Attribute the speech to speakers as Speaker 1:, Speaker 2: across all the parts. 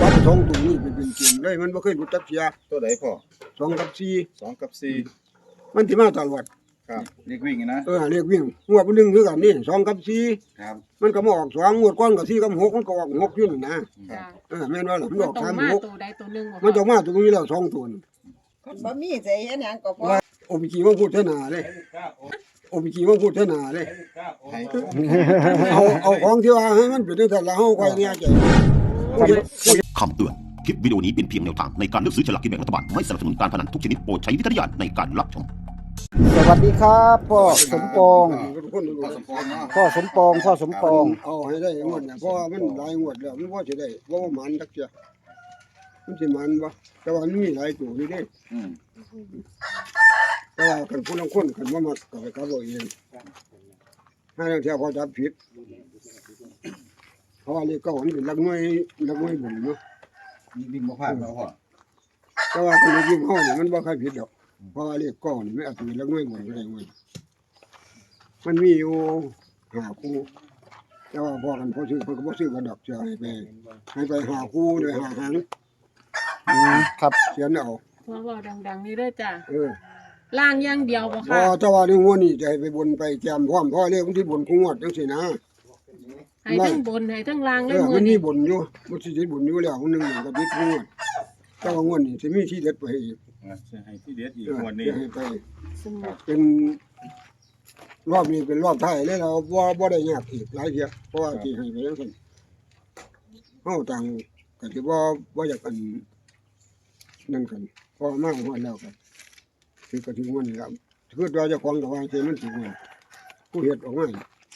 Speaker 1: จับสองตัวนี้เป็นเกมเลยมันบ่เคยรู้จักเสีย
Speaker 2: ตัวไหนพ่อ
Speaker 1: 2กับ4
Speaker 2: 2กับ4
Speaker 1: มันสิมาตลอด
Speaker 2: ครับเรียกวิ่งนะ
Speaker 1: เรียกวิ่งงวดนึงคือกันนี่2กับ4
Speaker 2: ครับ
Speaker 1: มันก็มาออก2งวดก่อนก็4กับ6มันก็ออก6อยู่นั่นนะแม่นว่าล่ะมันออก3 6
Speaker 3: ตัวใดตัวหนึ่ง
Speaker 1: มันจะมาตัวนี้แล้ว2ตัว
Speaker 4: บ่มีใจเฮ็ดหยังก็พอ
Speaker 1: โอบิกีมาพูดเท่านาเลยโอบิกีมาพูดเท่านาเลยเอาของที่ว่าให้มันเป็นจังซั่นแล้วเฮาค่อยเนี่ยใจ
Speaker 5: คำเตือนคลิปวิดีโอนี้เป็นเพียงแนวทางในการเลือกซื้อฉลากกินแบ่งรัฐบาลไม่สนับสนุนการพนันทุกชนิดโปรดใช้วิจารณญาณในการรับชม
Speaker 6: สวัสดีครับพ่อสมปอง
Speaker 1: พ่อสมปอง
Speaker 6: เอา
Speaker 1: ให้ได้งวดเนี่ยเพราะว่ามันหลายงวดแล้วมันบ่สิได้บ่ว่ามันจักเที่ยมันสิมันบ่แต่ว่ามันมีหลายตัวอยู่เด้แต่ว่าคันผู้ลางคนคันบ่มักก็ไปกลับเอาเองถ้าเที่ยวพอจับผิดเพราะว่าเลขเก้ามันเป็นหลักหน่วยบุญเนาะ
Speaker 2: วิ่งบ่พลาดแล้วพ่อ
Speaker 1: แต่ว่าคนยิงเฮานี่มันบ่ค่อยผิดดอกเพราะว่าเลขเก้านี่มันอาจจะเป็นหลักหน่วยบุญก็ได้มันมีอยู่5คู่แต่ว่าพอกันพอซื้อเพิ่นก็บ่ซื้อกันดอกจะให้ไป5คู่ด้วย5หาง
Speaker 6: ครับ
Speaker 1: เขียนเอา
Speaker 3: พ่อเว้าดังๆนี่เด้อจ้ะล่างอย่างเดียวบ่ค่ะ
Speaker 1: แต่ว่าในงวดนี้จะให้ไปบนไปแจมพร้อมเพราะเลขมันสิบนคู่งวดจังซี่นะ
Speaker 3: ให้ทั้งบนให้ทั้งล่างเลย
Speaker 1: มันมีบนอยู่มันสิได้บนอยู่แล้วนึงก็ติดคู่งวดแต่ว่างวดนี้สิมีที่เด็ดไปอีก
Speaker 2: ให้ที่เด็ดอีกงวดนี้
Speaker 1: ให้ไปเป็นรอบนี้เป็นรอบท้ายเลยเราบ่ได้ยากอีกหลายเที่ยเพราะว่าสิให้ไปจังซั่นเฮาต่างก็สิบ่อยากกันนั่นกันพอมาฮอดแล้วก็คือกระถิ่นวันนี้ครับคือตัวเจ้าของกับว่าเจมันถึงวันผู้เฮ็ดออกมา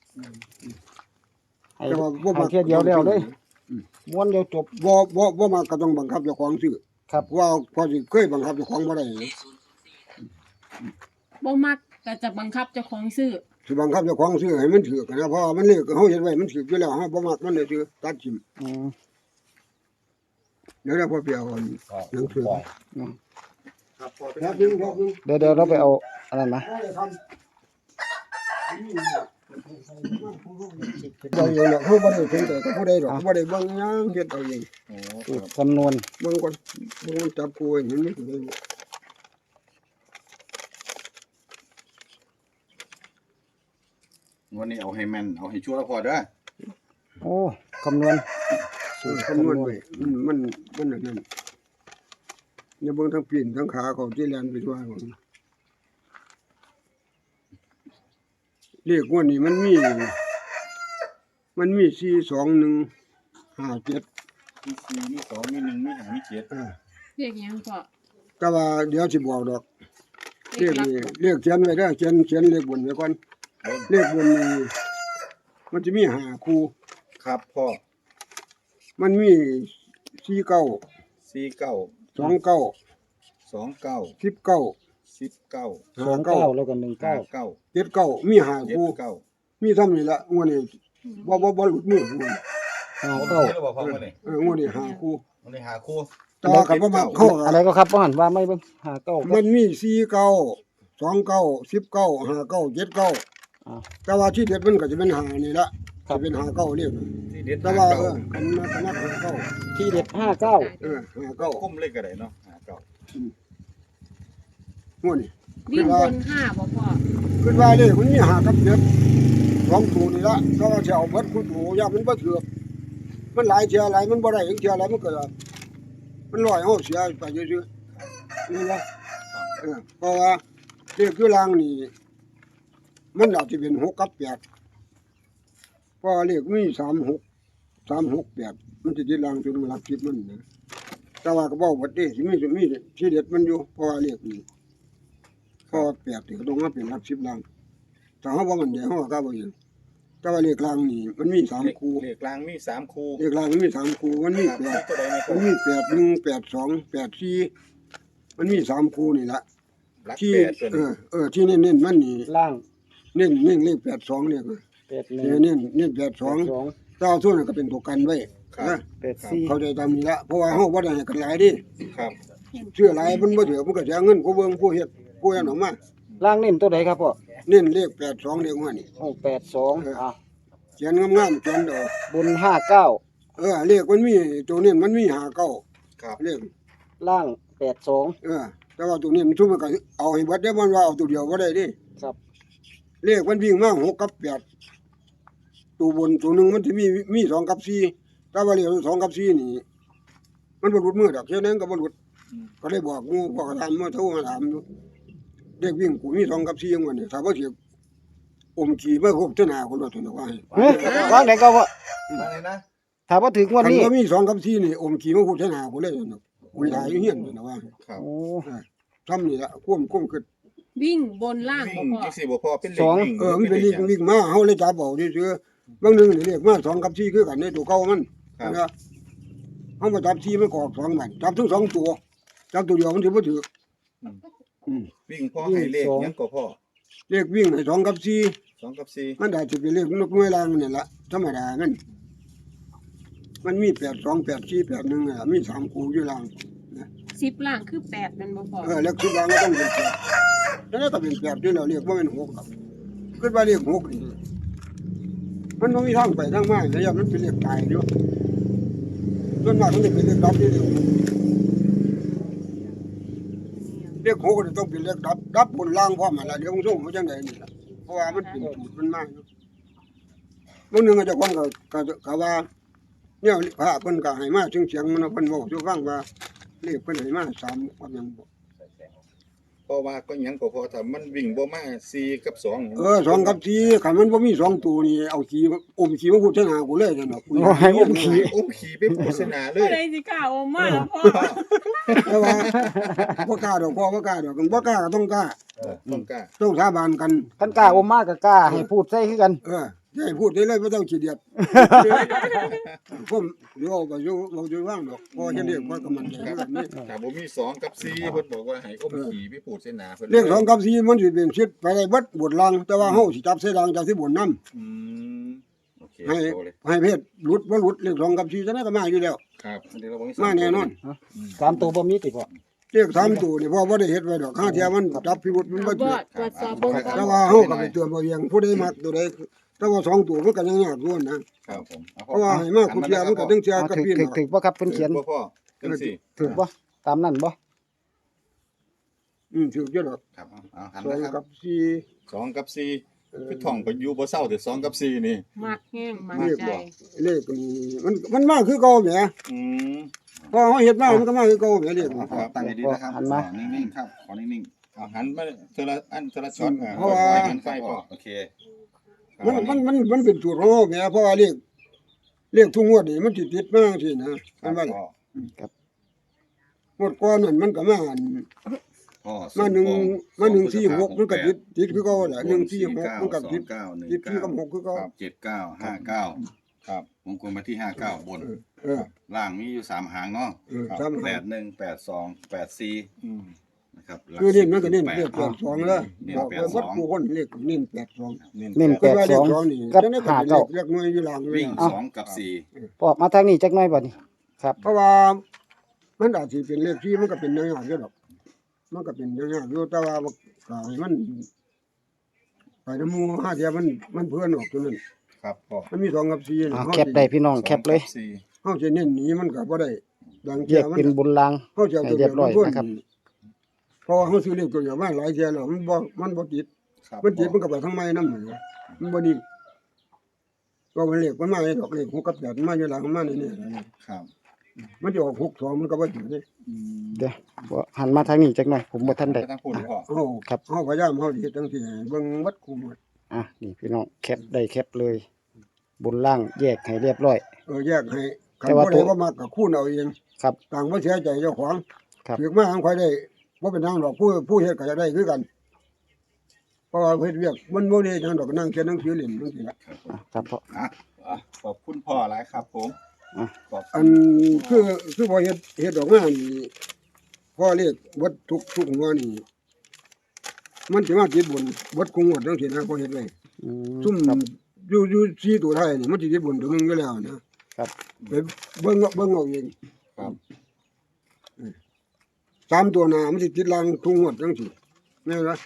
Speaker 6: แต่ว่าบ่มาแค่เดียวแล้วเลยม้วนเดียวจบ
Speaker 1: บ่มาก็ต้องบังคับเจ้าของซื้อ
Speaker 6: ครับ
Speaker 1: ว่าพอสิเคยบังคับเจ้าของบ่ได้
Speaker 3: บ่มักก็จะบังคับเจ้าของซื้อ
Speaker 1: สิบังคับเจ้าของซื้อให้มันถูกนะเพราะมันเลขเฮาเฮ็ดไว้มันถูกอยู่แล้วเฮาบ่มักมันเลยซื้อตัดทิ่มเดี๋ยวพอเปียวก่อนหนังสือครับนึง
Speaker 6: เดี๋ยวเราไปเอาอะไรมา
Speaker 1: เราเองเนาะเขาบ่ได้ถึงแต่ก็บ่ได้หรอกบ่ได้เบิ่งหยังเฮ็ดเอาเอง
Speaker 6: คำนวณ
Speaker 1: เบิ่งก่อนจับกูเห็นมั้ยได้
Speaker 2: วันนี้เอาให้แม่นเอาให้ชัวร์พอเด้อ
Speaker 6: โอ้คำนวณ
Speaker 1: ไว้มันนั่นอย่าเบิ่งทั้งปีนทั้งขาเขาที่แล่นไปทั่วเลขงวดนี้มันมี4 2 1 5 7
Speaker 2: มี4มี2มี1มี5มี7
Speaker 3: เรียกหยังพ่อ
Speaker 1: แต่ว่าเดี๋ยวสิบอกดอกเลขเขียนไว้เด้อเขียนเลขบนไว้ก่อนเลขบนนี่มันจะมี5คู่
Speaker 2: ครับพ่อ
Speaker 1: มันมี49 29
Speaker 6: 29แล้วก็19
Speaker 1: 79มี5คู่มีเท่านี้ละงวดนี้บ่หลุดมืองวดนี้5คู่
Speaker 2: วันนี้5คู่
Speaker 1: ต่อกันบ่มาเข้า
Speaker 6: อะไรก็ครับบ่หันว่าไม่เบิ่ง59
Speaker 1: มันมี49 29 19 59 79แต่ว่าที่เด็ดมันก็จะเป็น5นี่ละจะเป็น59นี่แต่ว่ากันนับ59
Speaker 6: ที่เด็ด
Speaker 1: 59
Speaker 2: คุ้มเลขก็ได้เนาะ
Speaker 1: 59งวดนี้
Speaker 3: วิ่งบน5บ่พ่อ
Speaker 1: ขึ้นว่าเลขมันมี5กับ7 2ตัวนี่ละแต่ว่าสิเอาเบิดคู่ตัวอย่ามันบ่ถูกมันหลายเที่ยหลายมันบ่ได้อีกเที่ยหลายมันก็มันร้อยเฮาเสียไปซื่อๆนี่ล่ะเพราะว่าเลขคือล่างนี่มันอาจจะเป็น6กับ8เพราะเลขมี36 มันสิติดล่างจนหลัก10มันนะแต่ว่าก็บ่หมดเด้สิมีที่เด็ดมันอยู่เพราะว่าเลขนี่พอ8นี่ก็ต้องมาเป็นหลัก10ล่างถ้าเฮาบ่มั่นใจเฮาก็บ่อยู่แต่ว่าเลขล่างนี่มันมี3คู่
Speaker 2: เลขล่างมี3คู่
Speaker 1: เลขล่างมี3คู่มันมี8มันมี8 1 8 2 8 4มันมี3คู่นี่ล่ะที่ที่เน้นๆมันนี่
Speaker 6: ล่าง
Speaker 1: เน้นเลข82เนี่ยเน้น82ถ้าส่วนนั้นก็เป็นตัวกันไว้นะเขาได้ตามนี้ละเพราะว่าเฮาบ่ได้ให้กันหลายดิ
Speaker 2: ครับ
Speaker 1: เชื่อหลายมันบ่เถือมันก็เสียเงินผู้เบิ่งผู้เฮ็ดผู้อันออกมา
Speaker 6: ล่างเน้นตัวใดครับพ่อ
Speaker 1: เน้นเลข82เลขว่านี่
Speaker 6: 82
Speaker 1: เขียนงามๆเขียนดอก
Speaker 6: บน59
Speaker 1: เลขมันมีตัวนี้มันมีหาเก้า
Speaker 2: ครับ
Speaker 1: เลข
Speaker 6: ล่าง82
Speaker 1: แต่ว่าตัวนี้มันทุ่มมันก็เอาให้เบิดได้มันว่าเอาตัวเดียวบ่ได้ดิ
Speaker 6: ครับ
Speaker 1: เลขมันวิ่งมา6กับ8ตัวบนตัวหนึงมันสิมี2กับ4แต่ว่าเลข2กับ4นี่มันบ่หลุดมือดอกเท่านั้นก็บ่หลุดก็เลยบอกหมู่บอกถามมาโทรมาถามอยู่เลขวิ่งกูมี2กับ4จังว่านี่ถ้าบ่สิอมขี้มาครบเท่าหน้าคนว่าซั่นว่าให้
Speaker 6: เฮ้ยว่างไหนก็ว่า
Speaker 2: มาเลยนะ
Speaker 6: ถ้าบ่ถึงวัน
Speaker 1: คัน
Speaker 6: นี้
Speaker 1: ว่ามี2กับ4นี่อมขี้มาครบเท่าหน้าคนเลยซั่นเนาะคุยถ่ายอยู่เฮียนซั่นว่า
Speaker 2: ครับ
Speaker 6: โอ้
Speaker 1: ซ้ำนี่ละความคือ
Speaker 3: วิ่งบนล่าง
Speaker 2: วิ่
Speaker 3: บ่
Speaker 2: ง
Speaker 3: พ่อ
Speaker 2: จังซี่บ่พอเป็นเล
Speaker 6: ส
Speaker 2: ข
Speaker 6: อง
Speaker 2: วิ่ง
Speaker 1: มันเป็นวิ่งมาเฮาเลยจับเอาซื่อๆบางนึงนี่เลขมา2กับ4คือกันในตัวเก่ามันนะเฮามาจับ4มันก็ออก2มันจับทั้ง2ตัวจับตัวเดียวมันสิบ่ถูก
Speaker 2: วิ่งพ่อให้เลขหยังก็พ่อ
Speaker 1: เลขวิ่งให้2กับ
Speaker 2: 2กับ4
Speaker 1: 4มันได้สิเป็นเลขนกน้อยลางนี่ล่ะธรรมดามันมี8 2 8 4 8 1น่ะมี3คู่อยู่ล่าง
Speaker 3: 10ล่างคือ8แม่นบ่พ่อ
Speaker 1: เลขสุดล่างก็ต้องเป็น8แล้วก็เป็น8อยู่แล้วเลขบ่เป็น6ครับคิดว่าเลข6นี่มันบ่มีทางไปทางมาแล้วมันเป็นเลขตายอยู่ส่วนมากมันจะเป็นเลขดับนี่เลข6นี่ต้องเป็นเลขดับบนล่างพร้อมหั่นล่ะเดี๋ยวผมส่งเขาจังได๋นี่ล่ะเพราะว่ามันเป็นสูตรมันมาอยู่บางนึงก็เจ้าของก็ว่าเนี่ยพระเพิ่นก็ให้มาถึงเสียงมันเพิ่นเว้าสู่ฟังว่าเลขเพิ่นให้มา3ว่าหยังบ่
Speaker 2: เพราะว่าก็หยังก็พอถ้ามันวิ่งบ่มา4กับ2
Speaker 1: 2กับ4คันมันบ่มี2ตัวนี่เอาขี้อมขี้มาพูดเท่าหน้ากูเลยจังเนาะกู
Speaker 6: โอ้ให้อมขี้
Speaker 2: อุ้มขี่ไปโฆษณาเล
Speaker 3: ผู้
Speaker 2: ย
Speaker 3: ใดสิกล้าออกมาล่ะพ่อ
Speaker 1: แต่ว่าบ่กล้าดอกพ่อบ่กล้าดอกกันบ่กล้าก็ต้องกล้า
Speaker 2: ต้องกล้า
Speaker 1: ต้องสาบานกัน
Speaker 6: คันกล้าอมมากก็กล้าให้พูดใส่คือกัน
Speaker 1: ให้พูดได้เลยบ่ต้องขี้เดียดผมอยู่ก็อยู่บ่อยู่ว่างดอกพอจะเรียกว่าก็มันใจแบบนี้
Speaker 2: ถ้าบ่มี2กับ4เพิ่นบอกว่าให้อุ้มขี่ไปพูดเส้นหน้าเพิ่น
Speaker 1: เรื่อง2กับ4มันสิเป็นชิดไปได้เบิดบทลังแต่ว่าเฮาสิจับใส่ลังจากที่บนนำ
Speaker 2: อืมโอเค
Speaker 1: ให้
Speaker 2: โตเลย
Speaker 1: ให้เพศหลุดบ่หลุดเรื่อง2กับ4จังได๋ก็มาอยู่แล้ว
Speaker 2: ครับเดี๋ยวเราบ่มี
Speaker 1: มาแน่นอน
Speaker 6: 3ตัวบ่มีติพ่อ
Speaker 1: เรียก3ตัวนี่พ่อบ่ได้เฮ็ดไว้ดอกข้าเทียมันจับพิรุษมันบ่
Speaker 3: บ่
Speaker 1: ถูก
Speaker 3: ตรวจสอบเบิ่งก่อน
Speaker 1: แต่ว่าเฮาก็ไปเตือนบ่เวียงผู้ใดมักตัวใดแต่ว่า2ตัวมันก็ยังยากอยู่นะครับ
Speaker 2: ผม
Speaker 1: เพราะว่าให้มาผู้เทียมันก็ถึงเทียกับ
Speaker 6: ถึก
Speaker 1: พี่
Speaker 6: ถึ
Speaker 1: น้
Speaker 6: ก
Speaker 1: อง
Speaker 6: ถึกบ่ครับเพิ่นเขียน
Speaker 2: พ่อจังซี่
Speaker 6: ถึกบ่ตามนั้นบ่
Speaker 1: ถูกอยู่ดอก
Speaker 2: ครับเอาหัน
Speaker 1: 2
Speaker 2: นะครับ
Speaker 1: กับ
Speaker 2: 2กับ4คือท่องไปอยู่บ่เศร้าแต่2กับ4นี่
Speaker 3: มักแห้งมัก
Speaker 1: 4เลข
Speaker 3: ใจ
Speaker 1: บ่เลขนี่มันมาคือเก่าแหม
Speaker 2: อืม
Speaker 1: พอเฮาเฮ็ดมามันก็มาคือเก่าแหมเลข
Speaker 2: ครับตั้งให้ดีนะครับ
Speaker 6: หันมา
Speaker 2: นิ่งๆครับขอนิ่งๆเอาหันมาเทอละอันเทอละช็อต
Speaker 1: เพราะว่า
Speaker 2: หันไฟพอโอเค
Speaker 1: มันเป็นสูตรของเฮาแหมเพราะว่าเลขทุกงวดนี่มันสิติดมาจังซี่นะ
Speaker 2: ครั
Speaker 1: มั
Speaker 2: บ
Speaker 1: นว่า
Speaker 2: พ่อง
Speaker 1: วดก่อนนั่นมันก็มาอัน
Speaker 2: พ่อ
Speaker 1: มา146มันก็ติดคือเก่าแหละ146มันก็ติดที่กับ6คือเก่า
Speaker 7: 7959
Speaker 2: ครับ
Speaker 7: วงกลมไปที่59บน
Speaker 1: เออ
Speaker 7: ล่างมีอยู่3หางเนาะ
Speaker 1: ครับ
Speaker 7: 81 82 84
Speaker 2: อืม
Speaker 7: นะครับ
Speaker 1: คือเน้นมันก็เน้นเลข82แล้ว
Speaker 7: เน้น
Speaker 1: บอกไปวัดผู้คนเลขเน้น82
Speaker 2: เน้น
Speaker 6: เน้น
Speaker 1: ก็ว่าเลข
Speaker 6: 82
Speaker 1: 2นี่
Speaker 6: กับ
Speaker 1: จังได๋ก็เป็นเลขหน่วยอยู่หลัง
Speaker 7: วิ่ง
Speaker 6: เอา
Speaker 7: 2กับ4
Speaker 6: พ่อมาทางนี้จักหน่อยบัดนี้ครับ
Speaker 1: เพราะว่ามันอาจสิเป็นเลขที่มันก็เป็นยากๆอยู่ดอกมันก็เป็นยากๆอยู่แต่ว่าก็ให้มันไปนำหมู่ห้าเทียมันเพื่อนออกตัวนั้น
Speaker 2: ครับพ่อ
Speaker 1: มันมี2กับ4
Speaker 6: เอาแคปได้พี่น้องแคปเลย
Speaker 1: เฮาสิเน้นหนีมันก็บ่ได้ดัง
Speaker 6: แย
Speaker 1: เที่ย
Speaker 6: ก
Speaker 1: มัน
Speaker 6: เป็นบนราง
Speaker 1: เฮาสิเอาตัว
Speaker 6: ให้เรี
Speaker 1: เดี
Speaker 6: ย
Speaker 1: ยว
Speaker 6: บร้อย
Speaker 1: เพิ่น
Speaker 6: นะครับ
Speaker 1: เพราะว่าเฮาซื้อเลขตัวเดียวมาหลายเที่ยแล้วมันบ่ติด
Speaker 2: ครับ
Speaker 1: มันติดมันก็ไปทางไม้นำมันบ่ดีก็มันเลขมันมาให้ดอกเลข6กับ8มันมาอยู่หลังมันมานี่
Speaker 2: ครับ
Speaker 1: มันจะออก62มันก็บ่ติดเด้
Speaker 2: อืม
Speaker 6: เดี๋ยวบ่หันมาทางนี้จักหน่อยผมบ่ทันได้
Speaker 2: ไม่ต้องพูดเลยพ่อ
Speaker 1: เฮา
Speaker 6: ครับ
Speaker 1: เฮาพยายามเฮาสิเฮ็ดจังซี่ให้เบิ่งวัดคุมหมด
Speaker 6: อ่ะนี่พี่น้องแคปได้แคปเลย บนล่างแยกให้เรียบร้อย
Speaker 1: แยกให้คัน
Speaker 6: แต่ว่า
Speaker 1: บ่ได้บ่มักก็คูณเอาเอง
Speaker 6: ครับ
Speaker 1: ต่างบ่เสียใจเจ้าของ
Speaker 6: ครับ
Speaker 1: ถึกมาทางค่อยได้บ่เป็นทางดอกผู้เฮ็ดก็จะได้คือกัน เพราะว่าเฮ็ดเวียกมันบ่ได้ทางดอกนั่งเขียนหนังสือเล่นจังซี่ล่ะ
Speaker 6: อ่ะครับพ่อ
Speaker 2: อ่ะขอบคุณพ่อหลายครับผม
Speaker 6: อ่ะ
Speaker 2: ขอบ
Speaker 1: อันคือพอเฮ็ดออกมานี่พอเรียกวัดทุกหัวนี่มันสิมาติดบนวัดคงวัดจังซี่นะพอเฮ็ดไว้
Speaker 6: อืม
Speaker 1: ซุ่ม
Speaker 6: ครับ
Speaker 1: อยู่4ตัวท้ายนี่มันสิติดบนตัวหนึงอยู่แล้วนะครับ ไปเบิ่งเอาเอง
Speaker 2: ครับ
Speaker 1: 3ตัวหน้ามันสิติดหลังทุกงวดจังซี่แม่นบ่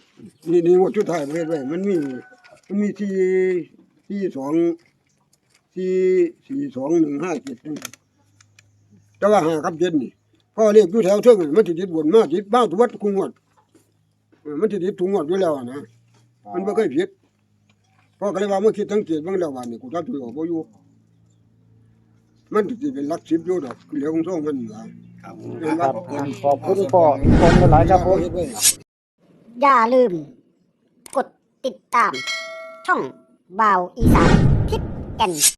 Speaker 1: นี่งวดสุดท้ายเฮ็ดไว้มันมีที่2 442 157นี่แต่ว่า5กับ7นี่พอเรียกอยู่แถวเทิงนี่มันสิติดบนมาติดบ้าทุกวัดคุงวดมันสิติดทุกงวดอยู่แล้วนะมันบ่เคยผิดพ่อก็เลยว่าเมื่อคิดสังเกตเบิ่งแล้วว่านี่กูจับถือออกบ่อยู่มันสิเป็นหลัก10อยู่ดอกเหลือของซ่องมันล่ะ
Speaker 7: ครับ
Speaker 6: ครับขอบคุณพ่อคนหลายครับผม
Speaker 8: อย่าลืม กดติดตาม ช่องบ่าวอีสานทิศแก่น